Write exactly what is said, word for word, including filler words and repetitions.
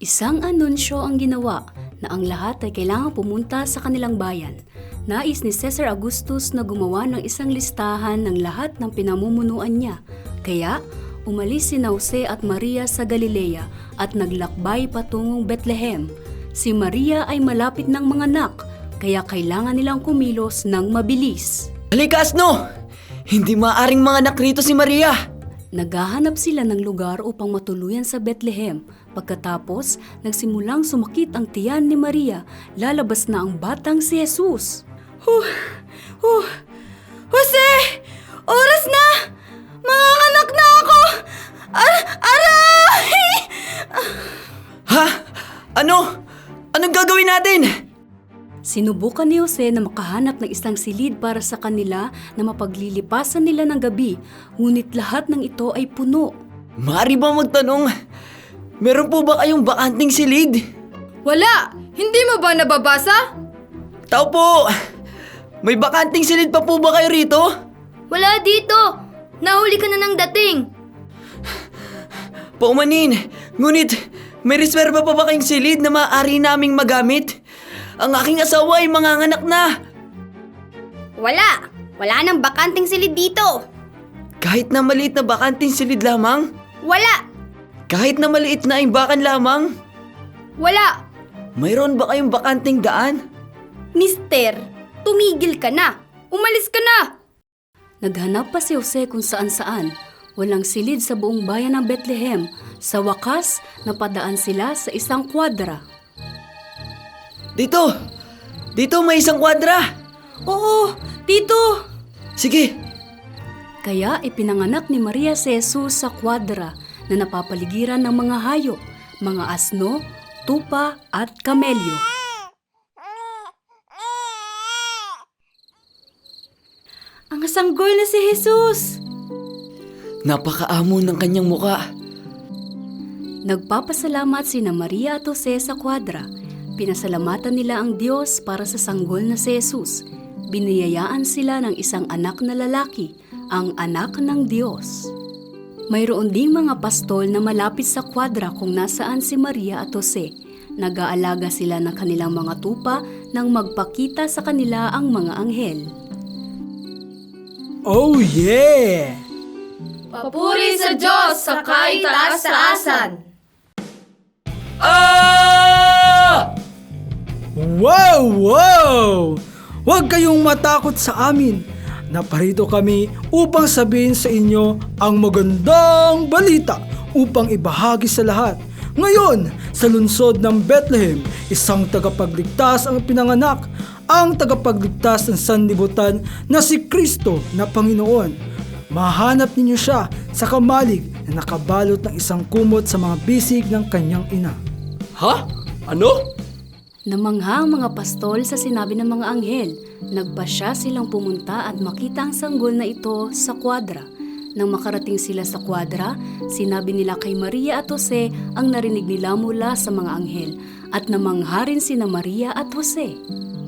Isang anunsyo ang ginawa na ang lahat ay kailangang pumunta sa kanilang bayan. Nais ni Caesar Augustus na gumawa ng isang listahan ng lahat ng pinamumunuan niya. Kaya, umalis si Jose at Maria sa Galilea at naglakbay patungong Bethlehem. Si Maria ay malapit ng manganak, kaya kailangan nilang kumilos ng mabilis. Halika, asno! Hindi maaring manganak rito si Maria! Naghahanap sila ng lugar upang matuluyan sa Bethlehem. Pagkatapos, nagsimulang sumakit ang tiyan ni Maria. Lalabas na ang batang si Jesus. Huh! Huh! Jose! Oras na! Manganganak na ako! Ar- aray! Ha? Ano? Anong gagawin natin? Sinubukan ni Jose na makahanap ng isang silid para sa kanila na mapaglilipasan nila ng gabi, ngunit lahat ng ito ay puno. Maaari ba magtanong? Meron po ba kayong bakanting silid? Wala! Hindi mo ba nababasa? Tao po! May bakanting silid pa po ba kayo rito? Wala dito! Nahuli ka na ng dating! Paumanin! Ngunit, may reserba pa ba kayong silid na maaari naming magamit? Ang aking asawa ay manganganak na! Wala! Wala nang bakanting silid dito! Kahit na maliit na bakanting silid lamang? Wala! Kahit na maliit na imbakan lamang? Wala! Mayroon ba kayong bakanting daan? Mister, tumigil ka na! Umalis ka na! Naghanap pa si Jose kung saan-saan. Walang silid sa buong bayan ng Bethlehem. Sa wakas, napadaan sila sa isang kwadra. Dito! Dito may isang kwadra! Oo, dito! Sige! Kaya ipinanganak ni Maria si Jesus sa kwadra na napapaligiran ng mga hayop, mga asno, tupa at kamelyo. Ang sanggol na si Jesus! Napakaamo ng kanyang muka. Nagpapasalamat sina Maria at Jose sa kwadra. Pinasalamatan nila ang Diyos para sa sanggol na si Jesus. Biniyayaan sila ng isang anak na lalaki, ang anak ng Diyos. Mayroon ding mga pastol na malapit sa kwadra kung nasaan si Maria at Jose. Nag-aalaga sila ng kanilang mga tupa nang magpakita sa kanila ang mga anghel. Oh yeah! Papuri sa Diyos sa kaitaas-taasan! Ah! Wow! Wow! Huwag kayong matakot sa amin. Naparito kami upang sabihin sa inyo ang magandang balita upang ibahagi sa lahat. Ngayon, sa lungsod ng Bethlehem, isang tagapagligtas ang pinanganak, ang tagapagligtas ng sanlibutan na si Kristo na Panginoon. Mahanap ninyo siya sa kamalig na nakabalot ng isang kumot sa mga bisig ng kanyang ina. Ha? Ano? Namangha ang mga pastol sa sinabi ng mga anghel. Nagpasya silang pumunta at makita ang sanggol na ito sa kwadra. Nang makarating sila sa kwadra, sinabi nila kay Maria at Jose ang narinig nila mula sa mga anghel at namangha rin sina Maria at Jose.